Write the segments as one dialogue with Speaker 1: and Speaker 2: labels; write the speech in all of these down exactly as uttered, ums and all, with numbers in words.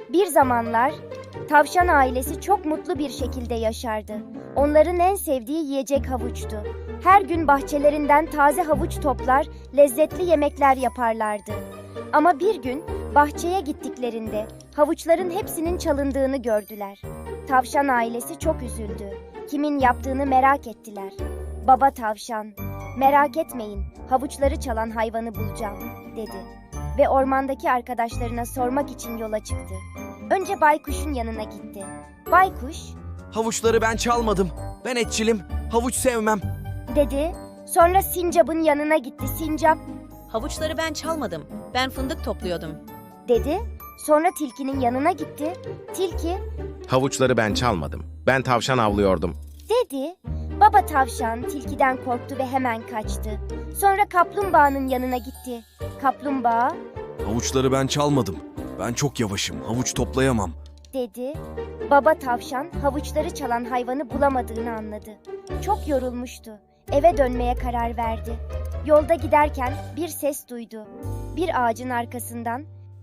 Speaker 1: Bir zamanlar tavşan ailesi çok mutlu bir şekilde yaşardı. Onların en sevdiği yiyecek havuçtu. Her gün bahçelerinden taze havuç toplar, lezzetli yemekler yaparlardı. Ama bir gün bahçeye gittiklerinde havuçların hepsinin çalındığını gördüler. Tavşan ailesi çok üzüldü. Kimin yaptığını merak ettiler. Baba tavşan, "Merak etmeyin, havuçları çalan hayvanı bulacağım," dedi. Ve ormandaki arkadaşlarına sormak için yola çıktı. Önce baykuşun yanına gitti. Baykuş,
Speaker 2: Havuçları ben çalmadım. Ben etçilim. Havuç sevmem.
Speaker 1: dedi. Sonra sincapın yanına gitti. Sincap,
Speaker 3: Havuçları ben çalmadım. Ben fındık topluyordum.
Speaker 1: dedi. Sonra tilkinin yanına gitti. Tilki,
Speaker 4: Havuçları ben çalmadım. Ben tavşan avlıyordum.
Speaker 1: dedi. Baba tavşan tilkiden korktu ve hemen kaçtı. Sonra kaplumbağanın yanına gitti. Kaplumbağa,
Speaker 2: Havuçları ben çalmadım. Ben çok yavaşım. Havuç toplayamam.
Speaker 1: dedi. Baba tavşan havuçları çalan hayvanı bulamadığını anladı. Çok yorulmuştu. Eve dönmeye karar verdi. Yolda giderken bir ses duydu. Bir ağacın arkasından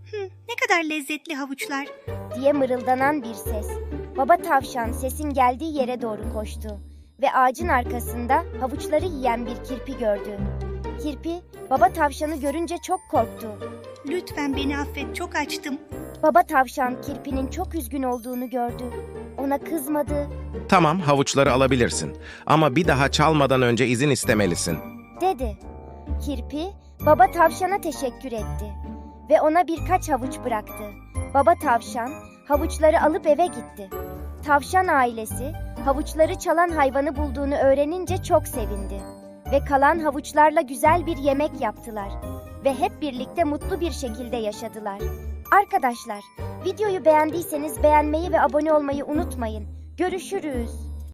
Speaker 5: Ne kadar lezzetli havuçlar.
Speaker 1: diye mırıldanan bir ses. Baba tavşan sesin geldiği yere doğru koştu ve ağacın arkasında havuçları yiyen bir kirpi gördü. Kirpi, baba tavşanı görünce çok korktu.
Speaker 5: Lütfen beni affet, çok açtım.
Speaker 1: Baba tavşan kirpinin çok üzgün olduğunu gördü. Ona kızmadı,
Speaker 4: Tamam, havuçları alabilirsin. Ama bir daha çalmadan önce izin istemelisin.
Speaker 1: dedi. Kirpi, baba tavşana teşekkür etti ve ona birkaç havuç bıraktı. Baba tavşan havuçları alıp eve gitti. Tavşan ailesi havuçları çalan hayvanı bulduğunu öğrenince çok sevindi ve kalan havuçlarla güzel bir yemek yaptılar ve hep birlikte mutlu bir şekilde yaşadılar. Arkadaşlar, videoyu beğendiyseniz beğenmeyi ve abone olmayı unutmayın. Görüşürüz.